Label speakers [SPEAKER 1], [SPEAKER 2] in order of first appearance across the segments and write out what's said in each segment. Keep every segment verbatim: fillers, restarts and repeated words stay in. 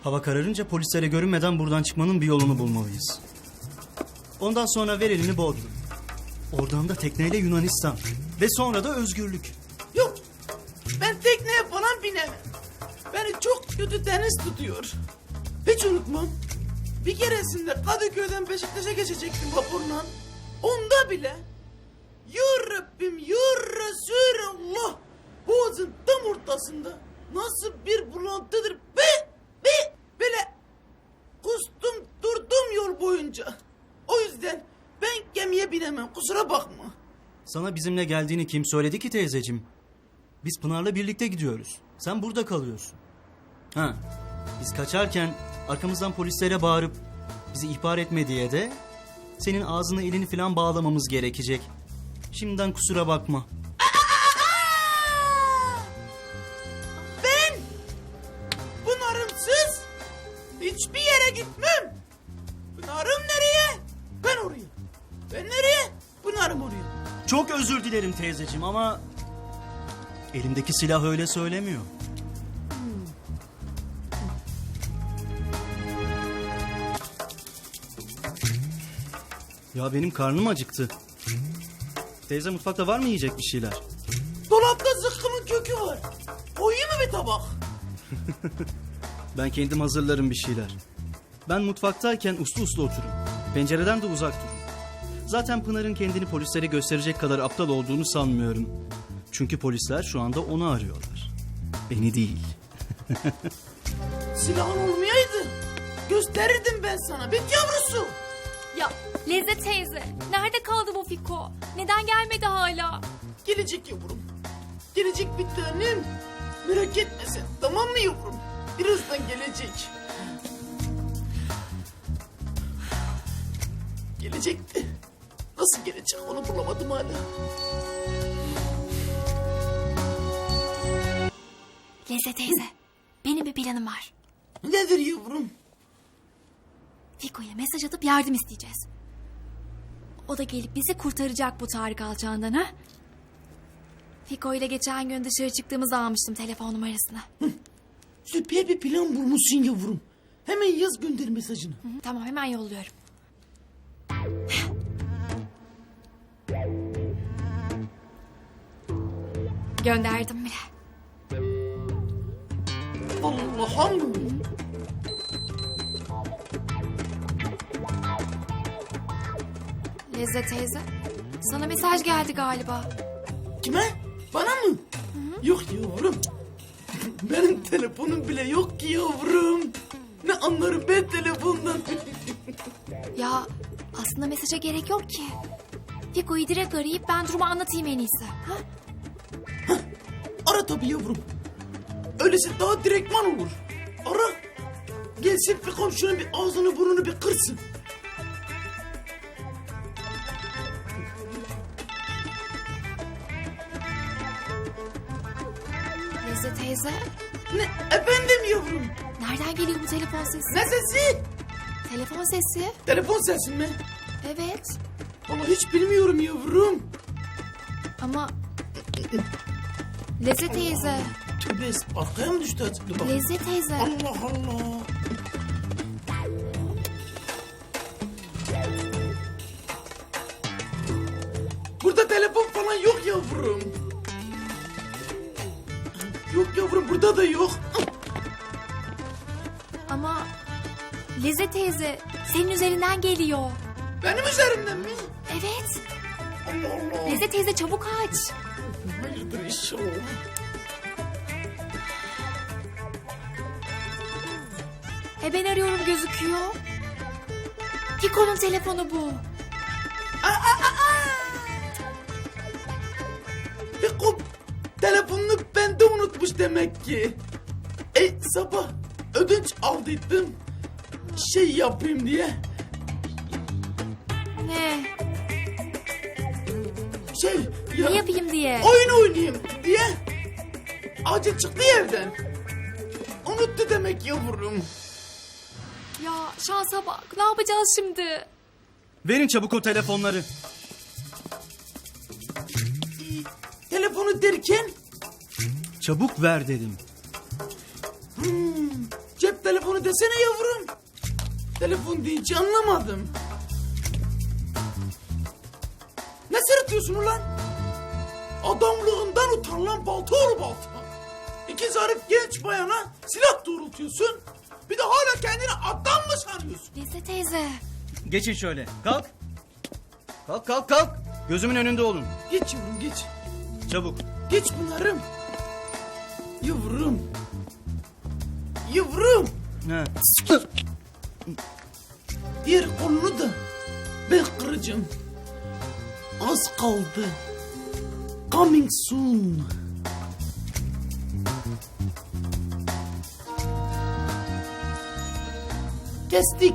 [SPEAKER 1] Hava kararınca polislere görünmeden buradan çıkmanın bir yolunu bulmalıyız. Ondan sonra ver elini Bodrum. Oradan da tekneyle Yunanistan. Ve sonra da özgürlük.
[SPEAKER 2] Yok. Ben tekneye falan binemem. Beni çok kötü deniz tutuyor. Hiç unutmam. Bir keresinde Kadıköy'den Beşiktaş'a geçecektim vapurla. Onda bile ya Rabbim ya Resulallah, boğazın tam ortasında nasıl bir bulantıdır be be böyle kustum durdum yol boyunca. O yüzden ben gemiye binemem, kusura bakma.
[SPEAKER 1] Sana bizimle geldiğini kim söyledi ki teyzeciğim? Biz Pınar'la birlikte gidiyoruz. Sen burada kalıyorsun. Ha, biz kaçarken arkamızdan polislere bağırıp bizi ihbar etme diye de senin ağzını elini falan bağlamamız gerekecek. Şimdiden kusura bakma.
[SPEAKER 2] Ben Pınar'ımsız hiçbir yere gitmem. Pınar'ım nereye? Ben oraya. Ben nereye? Pınar'ım oraya.
[SPEAKER 1] Çok özür dilerim teyzeciğim ama elimdeki silah öyle söylemiyor. Ya benim karnım acıktı. Teyze, mutfakta var mı yiyecek bir şeyler?
[SPEAKER 2] Dolapta zıkkımın kökü var. Koyayım mı bir tabak?
[SPEAKER 1] Ben kendim hazırlarım bir şeyler. Ben mutfaktayken uslu uslu oturun. Pencereden de uzak durun. Zaten Pınar'ın kendini polislere gösterecek kadar aptal olduğunu sanmıyorum. Çünkü polisler şu anda onu arıyorlar. Beni değil.
[SPEAKER 2] Silahın olmayaydı gösterirdim ben sana bit yavrusu.
[SPEAKER 3] Ya Lezzet teyze, nerede kaldı bu Fiko? Neden gelmedi hala?
[SPEAKER 2] Gelecek yavrum. Gelecek bir tanem. Merak etme sen, tamam mı yavrum? Birazdan gelecek. Gelecekti. Nasıl gelecek onu bulamadım hala.
[SPEAKER 3] Lezzet teyze, benim bir planım var.
[SPEAKER 2] Nedir yavrum?
[SPEAKER 3] Fiko'ya mesaj atıp yardım isteyeceğiz. O da gelip bizi kurtaracak bu Tarık alçağından, ha? Fiko ile geçen gün dışarı çıktığımızda almıştım telefon numarasını.
[SPEAKER 2] Hı. Süper bir plan bulmuşsun yavrum. Hemen yaz, gönder mesajını.
[SPEAKER 3] Hı hı, tamam, hemen yolluyorum. Gönderdim bile.
[SPEAKER 2] Allah'ım.
[SPEAKER 3] Lezzet teyze, sana mesaj geldi galiba.
[SPEAKER 2] Kime? Bana mı? Hı-hı. Yok yavrum. Benim telefonum bile yok ki yavrum. Ne anlarım ben telefondan.
[SPEAKER 3] Ya aslında mesaja gerek yok ki. Fiko'yu direkt arayıp ben durumu anlatayım en iyisi. Ha?
[SPEAKER 2] Heh, ara tabii yavrum. Öylesi daha direktman olur. Ara. Gelsin Fikom şunun bir ağzını burnunu bir kırsın.
[SPEAKER 3] Lezzet teyze,
[SPEAKER 2] Ne efendim yavrum?
[SPEAKER 3] nereden geliyor bu telefon sesi?
[SPEAKER 2] Ne sesi?
[SPEAKER 3] Telefon sesi.
[SPEAKER 2] Telefon sesi mi?
[SPEAKER 3] Evet.
[SPEAKER 2] Vallahi hiç bilmiyorum yavrum.
[SPEAKER 3] Ama Lezzet teyze,
[SPEAKER 2] Tövbe, arkaya mı düştü acaba? Bak.
[SPEAKER 3] Lezzet teyze.
[SPEAKER 2] Allah Allah. Burada telefon falan yok yavrum. Yok yavrum, burada da yok.
[SPEAKER 3] Ama Lezzet teyze, senin üzerinden geliyor.
[SPEAKER 2] Benim üzerimden mi?
[SPEAKER 3] Evet.
[SPEAKER 2] Allah Allah.
[SPEAKER 3] Lezzet teyze, çabuk aç.
[SPEAKER 2] Hayırdır inşallah.
[SPEAKER 3] E ben arıyorum gözüküyor. Fiko'nun telefonu bu.
[SPEAKER 2] Fikom telefonunu bende unutmuş demek ki. E sabah ödünç aldıydım. Şey yapayım diye.
[SPEAKER 3] Ne?
[SPEAKER 2] Şey ya,
[SPEAKER 3] Ne yapayım diye.
[SPEAKER 2] oyun oynayayım diye. Acil çıktı evden. Unuttu demek yavrum.
[SPEAKER 3] Ya şansa bak, ne yapacağız şimdi?
[SPEAKER 1] Verin çabuk o telefonları.
[SPEAKER 2] Telefonu derken
[SPEAKER 1] Çabuk ver dedim.
[SPEAKER 2] hmm, cepten telefonu desene yavrum. Telefon deyince anlamadım. Ne sırıtıyorsun ulan? Adamlığından utan lan balta oğlu balta. İki zarif genç bayana silah doğrultuyorsun. Bir de hala kendini adam mı sanıyorsun?
[SPEAKER 3] Leze teyze.
[SPEAKER 1] Geçin şöyle. Kalk. Kalk kalk kalk. Gözümün önünde olun.
[SPEAKER 2] Geç yavrum geç.
[SPEAKER 1] Çabuk.
[SPEAKER 2] Geç Pınar'ım. Yavrum. Yavrum.
[SPEAKER 1] Ha.
[SPEAKER 2] Diğer kolunu da ben kıracağım. Az kaldı. Coming soon. Kestik.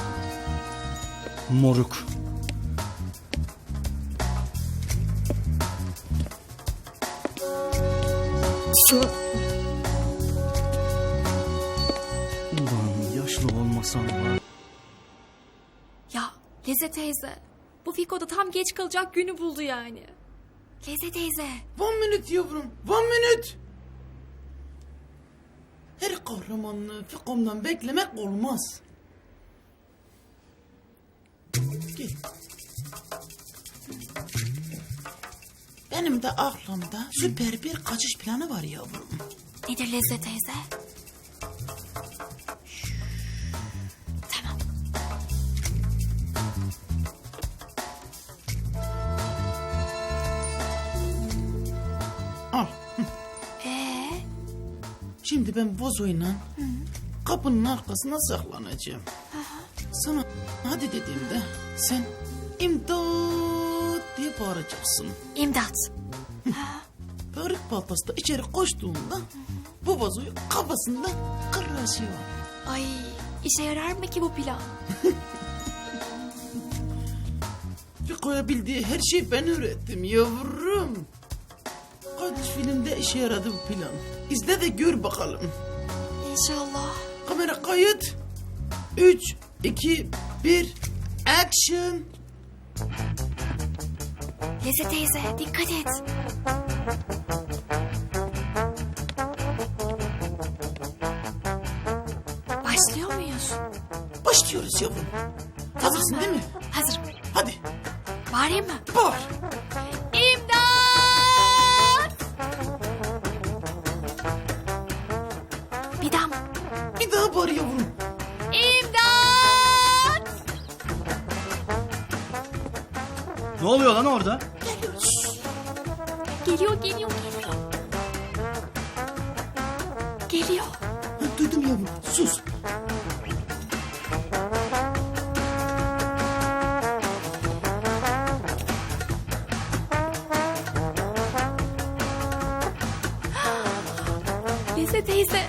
[SPEAKER 1] Moruk. Ulan yaşlı olmasam var.
[SPEAKER 3] Ya Leze teyze. Bu Fiko da tam geç kalacak günü buldu yani. Leze teyze.
[SPEAKER 2] One minute yavrum. One minute. Her kahramanlığı Fikom'dan beklemek olmaz. Gel. Benim de aklımda süper bir kaçış planı var yavrum.
[SPEAKER 3] Nedir Leze teyze? Tamam.
[SPEAKER 2] Al.
[SPEAKER 3] Ee,
[SPEAKER 2] Şimdi ben vazoyla kapının arkasına saklanacağım. Sana hadi dediğimde sen imdat diye bağıracaksın.
[SPEAKER 3] imdat.
[SPEAKER 2] Börük baltası da içeri koştuğunda bu vazoyu kafasında kıracağım.
[SPEAKER 3] Ay, işe yarar mı ki bu plan?
[SPEAKER 2] Fiko'ya bildiği her şeyi ben öğrettim yavrum. Kaç filmde işe yaradı bu plan. İzle de gör bakalım.
[SPEAKER 3] İnşallah.
[SPEAKER 2] Kamera kayıt. Üç, iki, bir, action.
[SPEAKER 3] Leze teyze dikkat et. Başlıyor muyuz?
[SPEAKER 2] Başlıyoruz yavrum. Hazırsın değil mi?
[SPEAKER 3] Hazırım.
[SPEAKER 2] Hadi
[SPEAKER 3] Bağırayım mı?
[SPEAKER 2] bağır.
[SPEAKER 3] İmdat! Bir daha mı?
[SPEAKER 2] Bir daha bağır yavrum.
[SPEAKER 3] İmdat!
[SPEAKER 1] Ne oluyor lan orada?
[SPEAKER 2] Geliyoruz.
[SPEAKER 3] Geliyor, geliyor, geliyor. Geliyor.
[SPEAKER 2] Ha, duydum yavrum. Sus.
[SPEAKER 3] Leze teyze.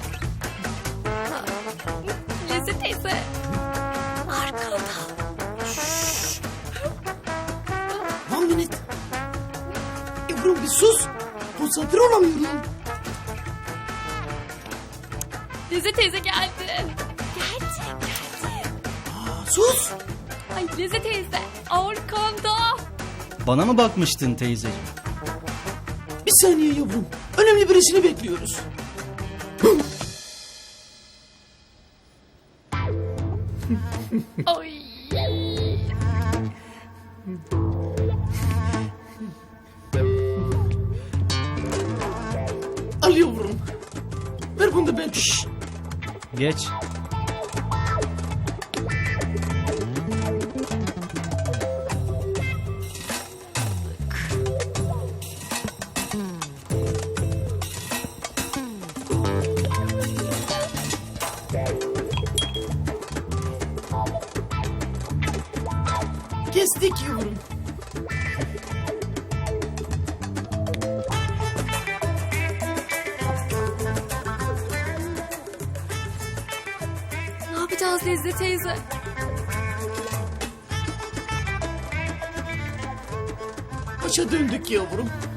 [SPEAKER 3] Leze teyze. Arkada.
[SPEAKER 2] One minute. Yavrum bir sus. Konsantre olamıyorum.
[SPEAKER 3] Leze teyze geldi. Geldi, geldi.
[SPEAKER 2] Aa, sus.
[SPEAKER 3] Ay Leze teyze arkanda.
[SPEAKER 1] Bana mı bakmıştın teyzeciğim?
[SPEAKER 2] Bir saniye yavrum. Önemli birisini bekliyoruz.
[SPEAKER 3] Ay.
[SPEAKER 2] Al yavrum. Ver bunu da ben. Şşş.
[SPEAKER 1] Geç.
[SPEAKER 2] Kestik yavrum.
[SPEAKER 3] Ne yapacağız Leze teyze?
[SPEAKER 2] Kaça döndük yavrum?